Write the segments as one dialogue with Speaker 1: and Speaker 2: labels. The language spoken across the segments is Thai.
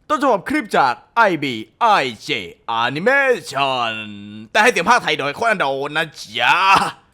Speaker 1: ต้นฉบับคลิปจาก IBIJ Animation แต่ให้เสียงภาคไทยโดยโคนันโดนะจ๊ะ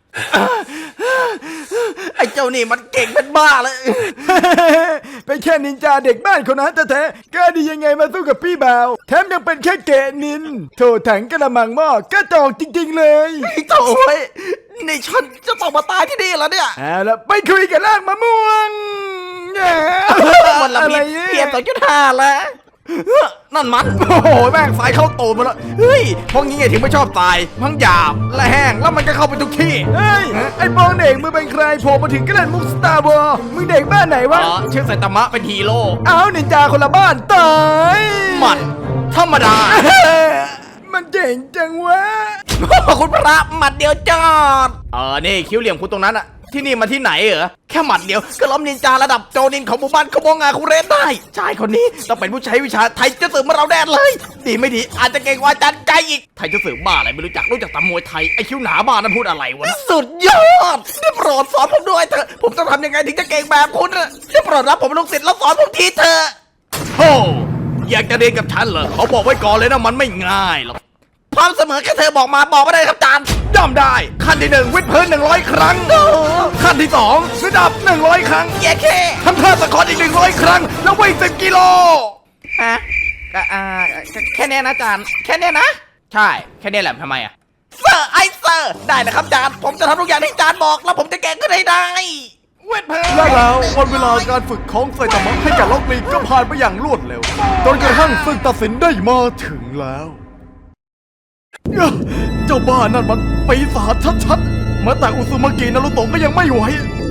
Speaker 1: ไอ้เจ้านี่มันเก่งเป็นบ้าเลย
Speaker 2: เป็นแค่นินจาเด็กบ้านคนนั้นแท้ๆกล้าดียังไงมาสู้กับพี่บ่าวแถมยังเป็นแค่เกะนินโถถังกระมังหม้อกระจอกจริงๆเลย
Speaker 1: ไอ้โถ่เว้ยนี่ฉันจะต้องมาตายที่นี่แล้วเนี่ย
Speaker 2: เอาละไปคุยกับลากมะม่วงแห
Speaker 1: มันละ
Speaker 2: อะไร
Speaker 1: มี
Speaker 2: เนี่ย
Speaker 1: เพียง2.5แล้วนั่นมันโอ้โหแม่งสายเข้าตูดมาแล้วเฮ้ยพวกนี้ไงถึงไม่ชอบตายทั้งหยาบและแห้งแล้วมันก็เข้าไปทุกที่
Speaker 2: เฮ้ยไอ้ปองเด็กมึงเป็นใครโผล่มาถึงก็เล่นมุกสตาร์วอร์มึงเด็กบ้านไหนวะ
Speaker 1: ชื่อไซตามะเป็นฮีโร่
Speaker 2: เอานินจาคนละบ้านตาย
Speaker 1: มันธรรมดา
Speaker 2: มันเจ๋งจังวะ
Speaker 1: คุณพระหมัดเดียวจอดนี่คิ้วเหลี่ยมคุณตรงนั้นอะที่นี่มาที่ไหนเหรอแค่หมัดเดียวก็ล้อมนินจาระดับโจนินของหมู่บ้านขโมงงาคุเรนได้ชายคนนี้ต้องเป็นผู้ใช้วิชาไทยจะสืบมาเราแน่เลย ดีไม่ดีอาจจะเก่งกว่าอาจารย์ใจอีกไทยจะสืบบ้าอะไรไม่รู้จักแต่มวยไทยไอคิ้วหนาบ้านั้นพูดอะไรวะสุดยอดได้โปรดสอนผมด้วยเถอะผมต้องทำยังไงถึงจะเก่งแบบคุณอะได้โปรดรับผมเป็นลูกศิษย์แล้วสอนผมทีเถอะโธ่อยากจะเรียนกับฉันเหรอเขาบอกไว้ก่อนเลยนะมันไม่ง่ายหรอก พร้อมเสมอแค่เธอบอกมาได้ครับอาจารย์ย่อมได้ขั้นที่1วิดพื้น100 ครั้งขั้นที่2ระดับ100 ครั้งแย่แค่ทำท่าสะกดอีก100 ครั้งแล้ววิ่ง10 กิโลฮะแค่นี้นะอาจารย์แค่นี้นะใช่แค่นี้แหละทำไมอะเซอร์ได้นะครับอาจารย์ผมจะทำทุกอย่างที่อาจารย์บอกแล้วผมจะแก้ขึ้นให้ได้เวทเพล
Speaker 2: และแล้ววันเวลาการฝึกของไซตามะให้กับล็อกลีก็ผ่านไปอย่างรวดเร็วจนกระทั่งศึกตัดสินได้มาถึงแล้วเจ้าบ้านั่นมันปีศาจชัดๆแม้แต่อุซุมากินารุโตะก็ยังไม่ไหว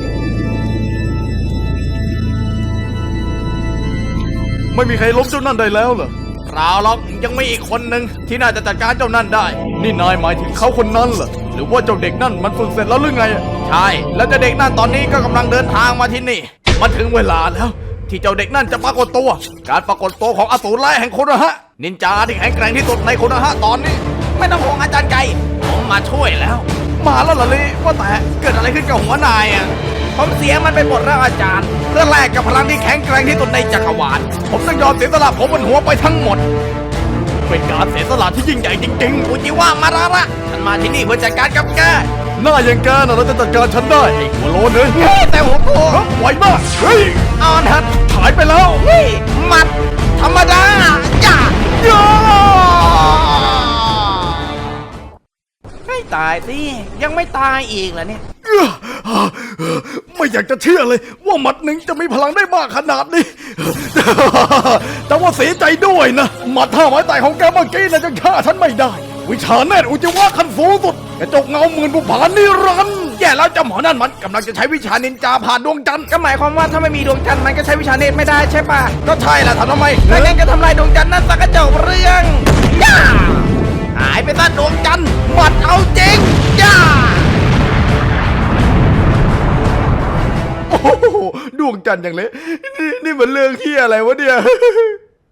Speaker 2: ไม่มีใครล้มเจ้านั่นได้แล้วเหรอเปล่าหรอกยังมีอีกคนหนึ่งที่น่าจะจัดการเจ้านั่นได้นี่นายหมายถึงเขาคนนั้นเหรอหรือว่าเจ้าเด็กนั่นมันฝึกเสร็จแล้วหรือไงใช่แล้วเจ้าเด็กนั่นตอนนี้ก็กำลังเดินทางมาที่นี่มันถึงเวลาแล้วที่เจ้าเด็กนั่นจะปรากฏตัวการปรากฏตัวของอสูรร้ายแห่งโคโนฮะนินจาที่แข็งแกร่งที่สุดในโคโนฮะตอนนี้ไม่ต้องห่วงอาจารย์ไก่ผมมาช่วยแล้วมาแล้วเหรอลิว่าแต่เกิดอะไรขึ้นกับหัวนายอ่ะผมเสียมันไปหมดแล้วอาจารย์เพื่อแลกกับพลังที่แข็งแกร่งที่สุดในจักรวาลผมต้องยอมเสียสละผมบนหัวไปทั้งหมดเป็นการเสียสละที่ยิ่งใหญ่จริงๆอุจิวะมาระระฉันมาที่นี่เพื่อจัดการกับแกหน้าอย่างแกน่ะเราจะจัดการฉันได้ไอ้หัวโลนเลยแต่หัวโตไหวมากเฮ้ยออนฮัทหายไปแล้วนี่มัดธรรมดาจ้าให้ตายสิยังไม่ตายอีกเหรอเนี่ยไม่อยากจะเชื่อเลยว่าหมัดหนึ่งจะมีพลังได้มากขนาดนี้แต่ว่าเสียใจด้วยนะหมัด5 ไม้ตายของแกเมื่อกี้น่ะจะฆ่าฉันไม่ได้วิชาเนตรอุจิวะขั้นสูงสุดกระจกเงาหมื่นบุพานิรันดร์แย่แล้วเจ้าหมอนั่นมันกำลังจะใช้วิชานินจาผ่านดวงจันทร์ก็หมายความว่าถ้าไม่มีดวงจันทร์มันก็ใช้วิชาเนตรไม่ได้ใช่ปะก็ใช่แหละทำไมถ้างั้นก็ทำลายดวงจันทร์นั่นสักกระจกเรื่องย่าหายไปซะดวงจันทร์หมัดเอาจริงย่าโอ้โหดวงจันทร์อย่างเละนี่มันเรื่องที่อะไรวะเนี่ย